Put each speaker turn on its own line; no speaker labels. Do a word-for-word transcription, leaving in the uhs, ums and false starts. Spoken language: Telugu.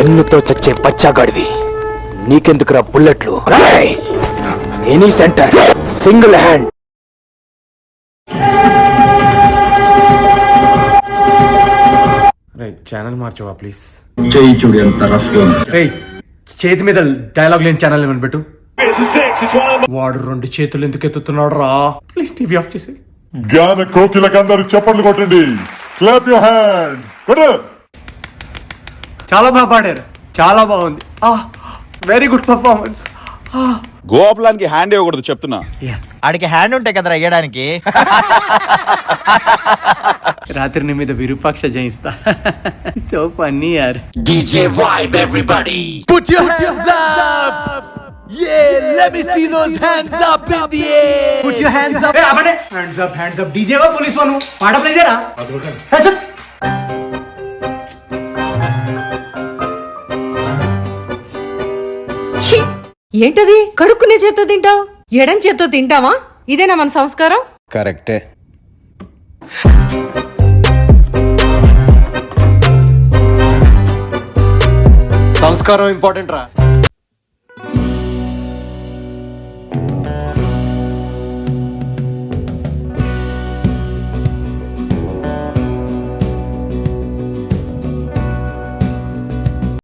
గన్నుతో చచ్చే పచ్చాగాడివి, నీకెందుకురా బుల్లెట్లు? Any centre single hand.
Channel మార్చవా ప్లీజ్?
చేయి చూడు ఎంత రఫ్ గా ఉంది.
రేయ్, చేతి మీద డైలాగ్ లేని ఛానల్ ఏమని పెట్టు. వాడు రెండు చేతులు ఎందుకు ఎత్తుతున్నాడు రా? ప్లీజ్ టీవీ ఆఫ్ చేసి.
జ్ఞాన కోకిలకందరూ చప్పట్లు కొట్టండి. Clap your hands. కొట్టు.
చాలా బాగా పాడారు, చాలా బాగుంది. Very good performance.
గోపాలానికి హ్యాండ్ ఇవ్వకూడదు చెప్తున్నా.
ఆడికి హ్యాండ్ ఉంటాయి కదరా వేయడానికి.
రాత్రి నీ మీద విరూపాక్ష జయిస్తా. సో ఫన్నీ యార్.
DJ vibe everybody put your hands up. Yeah, let me see those hands up in the air. Put your hands up.
Hey, abane hands up, hands up. DJ వా పోలీస్ వాను పాట ప్లే చేయరా? హే చల్.
ఛీ, ఏంటది? కడుక్కునే చేత్తో తింటావు, ఎడం చేత్తో తింటావా? ఇదేనా మన సంస్కారం?
కరెక్టే.
సంస్కారం ఇంపార్టెంట్ రా.